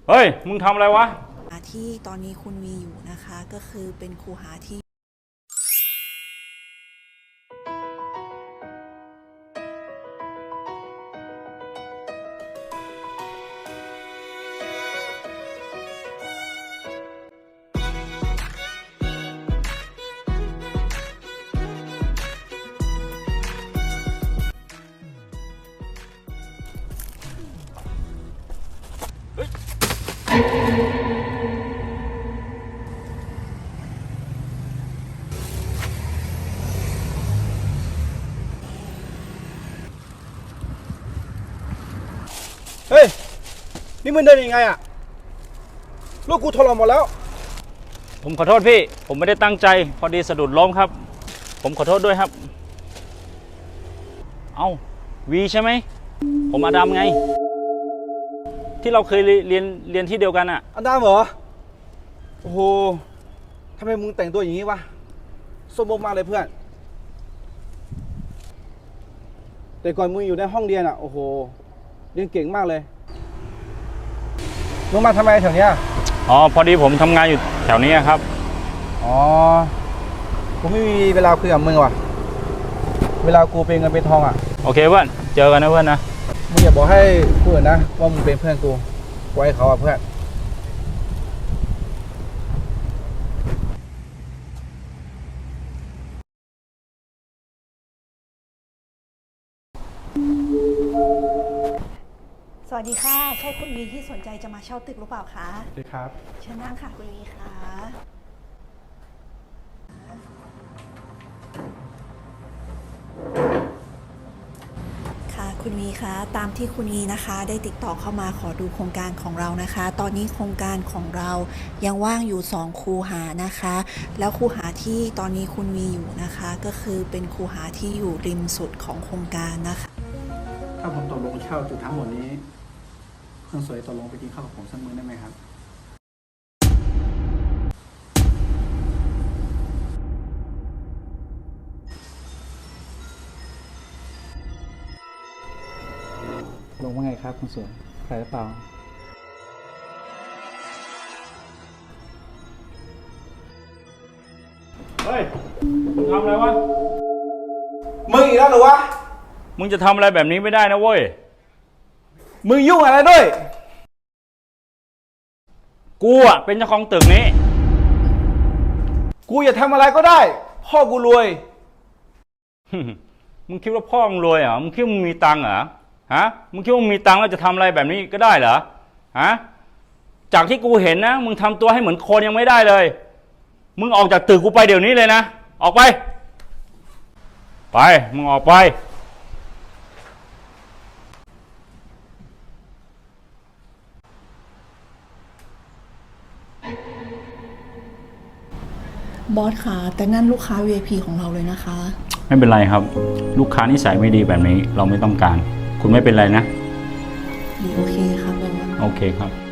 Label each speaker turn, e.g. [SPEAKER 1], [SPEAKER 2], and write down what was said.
[SPEAKER 1] เฮ้ยมึงทำอะไรวะ
[SPEAKER 2] ที่ตอนนี้คุณมีอยู่นะคะก็คือเป็นคูหาที่
[SPEAKER 3] เฮ้ยนี่มึงเดินยังไงอะลูกกูถลอกหมดแล้ว
[SPEAKER 1] ผมขอโทษพี่ผมไม่ได้ตั้งใจพอดีสะดุดล้มครับผมขอโทษด้วยครับเอ้าวีใช่ไหมผมอดัมไงที่เราเคยเรียนที่เดียวกันอะ
[SPEAKER 3] อันดามเหรอโอ้โหทำไมมึงแต่งตัวอย่างนี้วะสมบูรณ์มากเลยเพื่อนแต่ก่อนมึงอยู่ในห้องเรียนอะโอ้โหเรียนเก่งมากเลยมึงมาทำไมแถวเนี้ย
[SPEAKER 1] อ๋อพอดีผมทำงานอยู่แถวนี้ครับ
[SPEAKER 3] อ๋อกูไม่มีเวลาคุยกับมึงว่ะเวลากูเป็นเงินเป็นทองอะ
[SPEAKER 1] โอเคเพื่อนเจอกันนะเพื่อนนะ
[SPEAKER 3] มึงอย่าบอกให้กูอื่นนะว่ามึงเป็นเพื่อนกูไว้เขาอะเพื่อน
[SPEAKER 2] สวัสดีค่ะใช่คุณวีที่สนใจจะมาเช่าตึกหรือเปล่าคะ
[SPEAKER 3] สวัสดีครับ
[SPEAKER 2] เชิญนั่งค่ะคุณวีค่ะค่ะคุณวีคะตามที่คุณวีนะคะได้ติดต่อเข้ามาขอดูโครงการของเรานะคะตอนนี้โครงการของเรายังว่างอยู่2คูหานะคะแล้วคูหาที่ตอนนี้คุณวีอยู่นะคะก็คือเป็นคูหาที่อยู่ริมสุดของโครงการนะคะ
[SPEAKER 3] ถ้าผมตกลงเช่าจุดทั้งหมดนี้คนสวยตกลงไปกินข้าวกับผมสักมื้อได้ไหมครับลงว่าไงครับคุณสวยใครหรือเปล่า
[SPEAKER 1] เฮ้ยมึงทำอะไรวะ
[SPEAKER 3] มึงอีกแล้วเหรอวะ
[SPEAKER 1] มึงจะทำอะไรแบบนี้ไม่ได้นะเว้ย
[SPEAKER 3] มึงยุ่งอะไรด้วย
[SPEAKER 1] กูอ่ะเป็นเจ้าของตึกนี้
[SPEAKER 3] กูอย่าทำอะไรก็ได้พ่อกูรวย
[SPEAKER 1] มึงคิดว่าพ่อมึงรวยเหรอมึงคิดว่ามึงมีตังค์เหรอฮะมึงคิดว่ามึงมีตังค์แล้วจะทำอะไรแบบนี้ก็ได้เหรอฮะจากที่กูเห็นนะมึงทำตัวให้เหมือนคนยังไม่ได้เลยมึงออกจากตึกกูไปเดี๋ยวนี้เลยนะออกไปไปมึงออกไป
[SPEAKER 2] บอสค่ะแต่นั่นลูกค้า VIP ของเราเลยนะคะ
[SPEAKER 1] ไม่เป็นไรครับลูกค้านิสัยไม่ดีแบบนี้เราไม่ต้องการคุณไม่เป็นไรนะ
[SPEAKER 2] โอเคค่ะบอส
[SPEAKER 1] โอเคครับ